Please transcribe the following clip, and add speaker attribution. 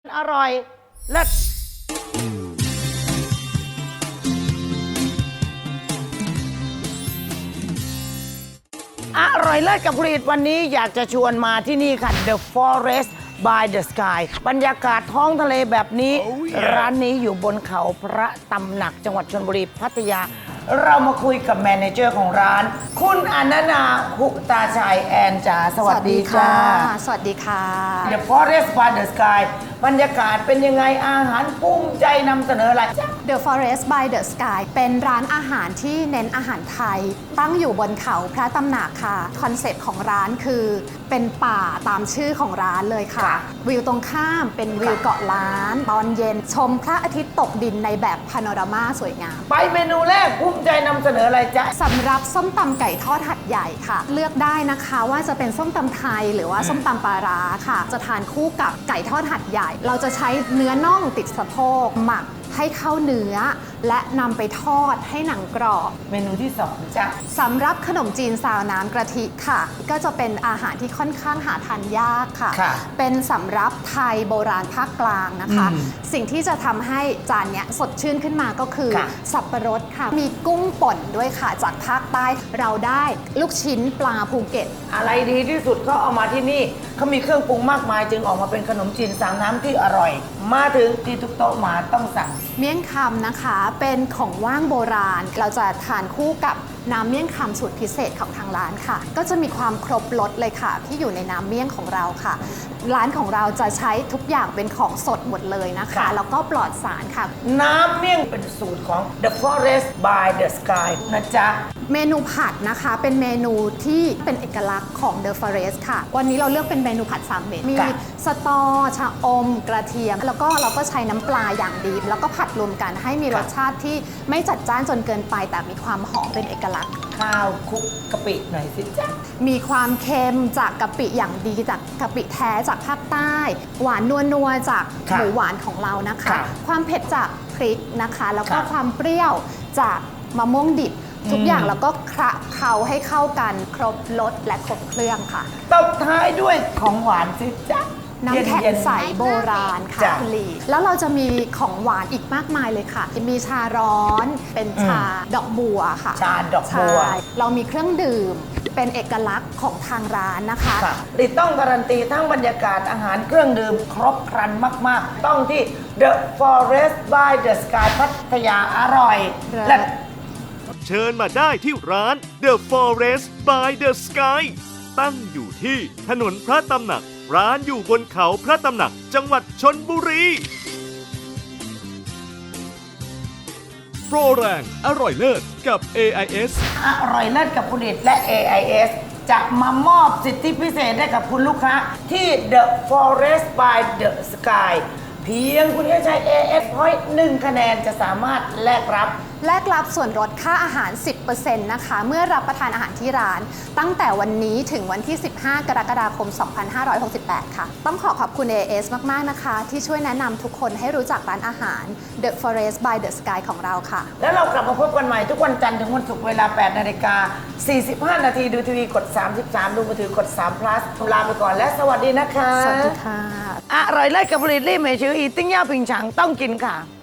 Speaker 1: อร่อยเลิศอร่อยเลิศกับผลิตวันนี้อยากจะชวนมาที่นี่ค่ะ The Forest by the Sky บรรยากาศท้องทะเลแบบนี้ ร้านนี้อยู่บนเขาพระตำหนักจังหวัดชลบุรีพัทยา เรามาคุยกับแมเนเจอร์ของร้าน คุณอนันนาหุตาชัยแอนจ๋าสวัสดีค่ะ
Speaker 2: สวัสดีค่ะ
Speaker 1: The Forest by the Sky บรรยากาศเป็นยังไงอาหารภูมิใจนำเสนออะไร
Speaker 2: The Forest by the Sky เป็นร้านอาหารที่เน้นอาหารไทย ตั้งอยู่บนเขาพระตำหนักค่ะ คอนเซ็ปต์ของร้านคือเป็นป่าตามชื่อของร้านเลยค่ะ วิวตรงข้ามเป็นวิวเกาะล้าน ตอนเย็นชมพระอาทิตย์ตกดินในแบบพาโนรามาสวยงาม
Speaker 1: ไปเมนูแรกภูมิใจนำเสนออะไรจ๊ะ
Speaker 2: สำหรับส้มตำไก่ทอดหัดใหญ่ค่ะ เลือกได้นะคะว่าจะเป็นส้มตำไทยหรือว่าส้มตำปลาร้าค่ะ จะทานคู่กับไก่ทอดหัดใหญ่ เราจะใช้เนื้อน่องติดสะโพกหมักให้เข้าเนื้อ และนำไปทอดให้หนังกรอบ
Speaker 1: เมนูที่สองจ๊ะ
Speaker 2: สำหรับขนมจีนซาวน้ำกะทิค่ะ ก็จะเป็นอาหารที่ค่อนข้างหาทานยากค่ะ เป็นสำหรับไทยโบราณภาคกลางนะคะ สิ่งที่จะทำให้จานเนี้ยสดชื่นขึ้นมาก็คือสับปะรดค่ะ มีกุ้งป่นด้วยค่ะจากภาคใต้เราได้ลูกชิ้นปลาภูเก็ต
Speaker 1: อะไรดีที่สุดก็เอามาที่นี่เขามีเครื่องปรุงมากมายจึงออกมาเป็นขนมจีนสามน้ำที่อร่อย มาถึงที่ทุกโต๊ะมาต้องสั่ง
Speaker 2: เมี่ยงคำนะคะเป็นของว่างโบราณ เราจะทานคู่กับน้ำเมี่ยงคำสูตรพิเศษของทางร้านค่ะ ก็จะมีความครบรสเลยค่ะที่อยู่ในน้ำเมี่ยงของเราค่ะ ร้านของเราจะใช้ทุกอย่างเป็นของสดหมดเลยนะคะแล้วก็ปลอดสารค่ะ
Speaker 1: น้ำเมี่ยงเป็นสูตรของ The Forest by the Sky นะจ๊ะ
Speaker 2: เมนูผัดนะคะเป็นเมนูที่เป็นเอกลักษณ์ของ The Forest ค่ะ วันนี้เราเลือกเป็นเมนูผัด3 เม็ดมีสตอชะอมกระเทียม แล้วก็เราก็ใช้น้ำปลาอย่างดีแล้วก็ผัดรวมกันให้มีรสชาติที่ไม่จัดจ้านจนเกินไปแต่มีความหอมเป็นเอกลักษณ์
Speaker 1: ข้าวคลุกกะปิหน่อยสิจ๊ะ
Speaker 2: มีความเค็มจากกะปิอย่างดีจากกะปิแท้จากภาคใต้ หวานนัวๆจากหมูหวานของเรานะคะ ความเผ็ดจากพริกนะคะ แล้วก็ความเปรี้ยวจากมะม่วงดิบ ทุกอย่างแล้วก็คละเคล้าให้เข้ากันครบรสและครบเครื่องค่ะ
Speaker 1: ตบท้ายด้วยของหวานสิจ๊ะ
Speaker 2: น้ำแข็งใสโบราณค่ะคุณลีแล้วเราจะมีของหวานอีกมากมายเลยค่ะ มีชาร้อนเป็นชาดอกบัวค่ะ
Speaker 1: ชาดอกบัว
Speaker 2: ใช่เรามีเครื่องดื่มเป็นเอกลักษณ์ของทางร้านนะคะ
Speaker 1: ติดต้องการันตีทั้งบรรยากาศอาหารเครื่องดื่มครบครันมากๆ ต้องที่ The Forest by the Sky พัทยาอร่อยและ
Speaker 3: เชิญมาได้ที่ร้าน The Forest by the Sky ตั้งอยู่ที่ถนนพระตำหนัก ร้านอยู่บนเขาพระตำหนักจังหวัดชลบุรี โปรแรงอร่อยเลิศกับ AIS
Speaker 1: อร่อยเลิศกับผลิตและ AIS จะมามอบสิทธิพิเศษให้กับคุณลูกค้าที่ The Forest by the Sky เพียงคุณแค่ใช้ AIS Point 1 คะแนนจะสามารถแลกรับ
Speaker 2: ส่วนลดค่าอาหาร 10% นะคะ เมื่อรับประทานอาหารที่ร้าน ตั้งแต่วันนี้ถึงวันที่ 15 กรกฎาคม 2568 ค่ะ ต้องขอบคุณ AIS มาก ๆ นะคะ ที่ช่วยแนะนำทุกคนให้รู้จักร้านอาหาร The Forest by the Sky ของเราค่ะ
Speaker 1: แล้วเรากลับมาพบกันใหม่ทุกวันจันทร์ถึงวันศุกร์เวลา 8 นาฬิกา 45 นาทีดูทีวีกด 33 ดูมือถือกด3 plus ลาไปก่อนและสวัสดีนะคะ
Speaker 2: สวัสดีค่ะ
Speaker 1: อร่อยเลิศกับผลิตรี่เมชื่ออีติ้งย่าผิงฉังต้องกินค่ะ